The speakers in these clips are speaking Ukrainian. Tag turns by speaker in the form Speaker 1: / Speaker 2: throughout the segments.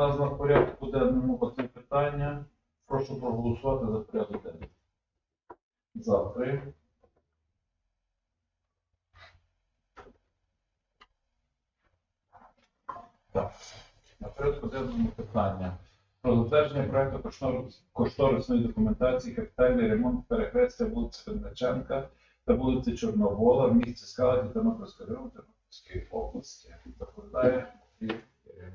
Speaker 1: нас на порядку денному оце питання. Прошу проголосувати за порядок денний. За 3. Так. На порядку денному питання. Про затвердження проекту кошторисної документації капітальний ремонт перехрестя вулиці Винниченка та вулиці Чорновола в місті Скалаті Тернопільського району Тернопільської області. Доповідає Ірина.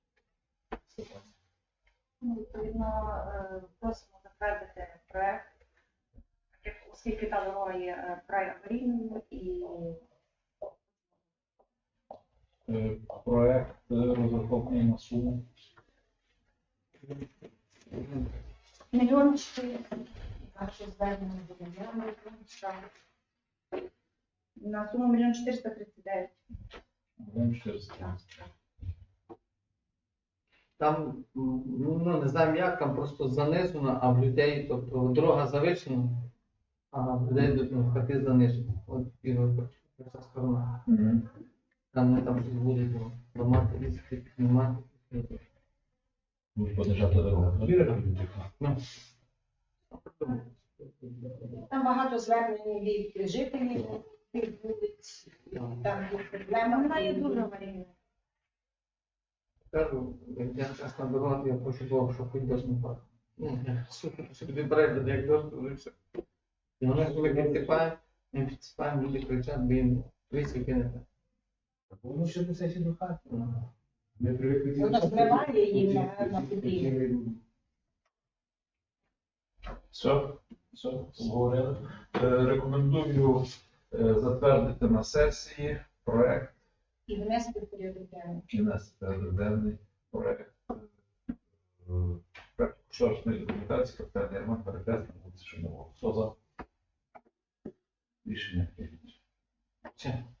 Speaker 2: Відповідно, просимо затвердити проект, оскільки та дорога є край аварійною і
Speaker 1: Проект розрахований на суму.
Speaker 2: 1 400 000. Наше звернення задовольняємо. На суму 1 439 000.
Speaker 3: Там, не знаємо як, там просто занесено, а в людей, тобто дорога завершена, а в людей хати занижені. От і ця сторона. Там ми там щось будуть ламати, різати, піднімати.
Speaker 1: Будуть подержати дорогу.
Speaker 3: Ну,
Speaker 4: Там багато звернень від жителів, від вулиць, там є проблема.
Speaker 2: Вона є дуже аварійною.
Speaker 3: кажу, я чесно дорога, я хочу Бога, щоб хоч дощ не падав. Супер, що тобі перейде, як дощ, то вже все. І воно коли підсипаємо, люди кричать, бо їм висвіки не так.
Speaker 5: Воно ще до сесії до хати.
Speaker 3: Ну.
Speaker 5: Ми привикли.
Speaker 4: Воно зриває їм на потрібно.
Speaker 1: Все, обговорили. Рекомендую затвердити на сесії проект
Speaker 4: І внести в порядок денний.
Speaker 1: і внести денний проект кошторисної документації капітальний ремонт перехрестя вулиці Чорновола. Хто за? Рішення прийнято.
Speaker 3: Все.